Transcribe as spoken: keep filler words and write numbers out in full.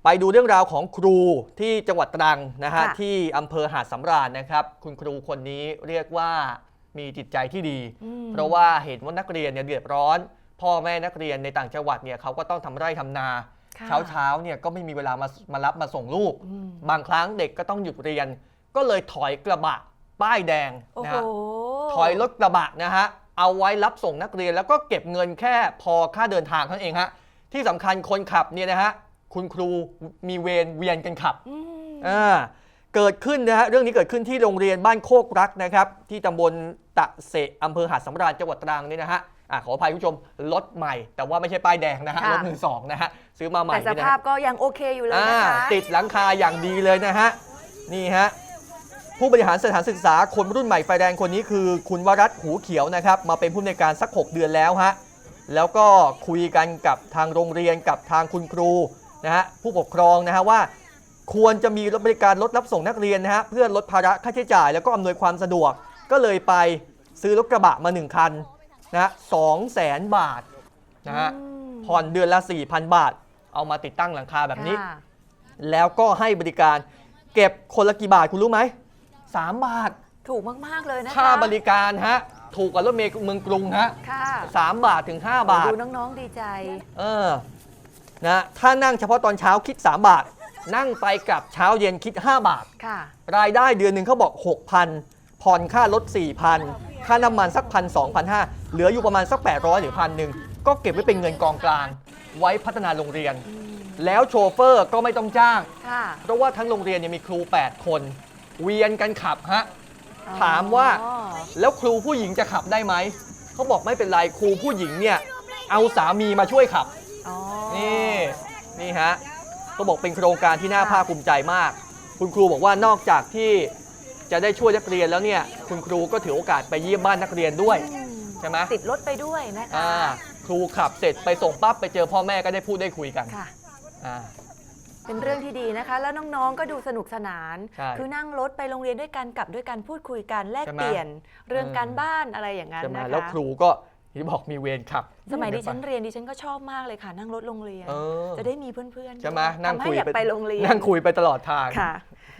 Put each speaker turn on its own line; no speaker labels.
ไปดูเรื่องราวของครูที่จังหวัดตรังนะฮะ
ค่ะ
ที่อำเภอหาดสำราญนะครับคุณครูคนนี้เรียกว่ามีจิตใจที่ดี เพราะว่าเห็นว่านักเรียนเนี่ยเดือดร้อน พ่อแม่นักเรียนในต่างจังหวัดเนี่ยเขาก็ต้องทำไร่ทำนา
ค่ะ
เช้าเช้าๆเนี่ยก็ไม่มีเวลามามารับมาส่งลูก
อืม
บางครั้งเด็กก็ต้องหยุดเรียน ก็เลยถอยกระบะป้ายแดง
โอ้
นะ
โห
ฮะถอยรถกระบะนะฮะเอาไว้รับส่งนักเรียนแล้วก็เก็บเงินแค่พอค่าเดินทางเท่านั้นเองฮะที่สำคัญคนขับเนี่ยนะฮะคุณครูมีเวรเวียนกันขับ
อืม
อ่าเกิดขึ้นนะฮะเรื่องนี้เกิดขึ้นที่โรงเรียนบ้านโคกรักนะครับที่ตำบลตะเสะอำเภอหาดสำราญจังหวัดตรังนี่นะฮะอ่ะขออภัยคุณผู้ชมรถใหม่ แต่ว่าไม่ใช่ป้ายแดงนะฮะ
ค่ะ
รถมือสองนะฮะซื้อมาใหม่
แต่ส
นี่นะ
ภา
ฮะ
พก็ยังโอเคอยู่เลย
อ่า
นะคะ
ติดหลังคาอย่างดีเลยนะฮะนี่ฮะผู้บริหารสถานศึกษาคนรุ่นใหม่ไฟแดงคนนี้คือคุณวรัตน์หูเขียวนะครับมาเป็นผู้อำนวยการสักหกเดือนแล้วฮะแล้วก็คุยกันกับทางโรงเรียนกับทางคุณครูนะฮะผู้ปกครองนะฮะว่า ควรจะมีรถบริการรถรับส่งนักเรียนนะฮะเพื่อลดภาระค่าใช้จ่ายแล้วก็อำนวยความสะดวก ก็เลยไปซื้อรถกระบะมาหนึ่งคันนะสองแสนบาทนะฮะ
อืม
ผ่อนเดือนละ สี่พัน บาท เอามาติดตั้งหลังคาแบบนี้
ค่ะ
แล้วก็ให้บริการเก็บคนละกี่บาทคุณรู้ไหมสามบาท
ถูกมาก ๆ เลยนะคะ
ค่าบริการฮะถูกกว่ารถเมล์เมืองกรุงฮะ
ค่ะ
สามบาทถึงห้าบาท
ดูน้อง ๆ ดีใจ
เออนะถ้านั่งเฉพาะตอนเช้าคิดสามบาท นั่งไปกลับเช้าเย็นคิดห้าบาท
ค่ะ
รายได้เดือนหนึ่งเขาบอก หกพัน ผ่อนค่ารถ สี่พัน ค่าน้ำมันสักพันสองพันห้าเหลืออยู่ประมาณสัก แปดร้อย หรือพันหนึ่งก็เก็บไว้เป็นเงินกองกลาง ไว้พัฒนาโรงเรียน
อืม
แล้วโชเฟอร์ก็ไม่ต้องจ้าง
ค่ะ
เพราะว่าทั้งโรงเรียนเนี่ยมีครู แปด คน เวียนกันขับฮะ
อ๋อ
ถามว่า แล้วครูผู้หญิงจะขับได้ไหม เขาบอกไม่เป็นไรครูผู้หญิงเนี่ยเอาสามีมาช่วยขับ
อ๋อ
นี่นี่ฮะก็บอกเป็นโครงการที่น่าภาคภูมิใจมาก คุณครูบอกว่านอกจากที่จะได้ช่วยนักเรียนแล้วเนี่ยคุณครูก็ถือโอกาสไปเยี่ยมบ้านนักเรียนด้วย
อืม
ใช่ไหม
ติดรถไปด้วยนะคะ
อ่าครูขับเสร็จไปส่งปั๊บไปเจอพ่อแม่ก็ได้พูดได้คุยกัน
ค่ะ
อ่า
เป็นเรื่องที่ดีนะคะ แล้วน้องๆ ก็ดูสนุกสนาน
ใช่
คือนั่งรถไปโรงเรียนด้วยกันกลับด้วยกันพูดคุยกันแลก
ใช่ไหม
เปลี่ยนเรื่อง
เออ
การบ้านอะไรอย่างนั้น
ใช่ไหม
นะคะ
แล้วครูก็ที่บอกมีเวรขับ
สมัยดิฉันเรียนดิฉันก็ชอบมากเลยค่ะ นั่งรถโรงเรียน
เออ
จะได้มีเพื่อนๆ
ใช่ไหม
ด้วย
นั่ง
ทำให้
คุย
อยากไปโรงเรียน
นั่งคุยไปตลอดทาง
ค่ะ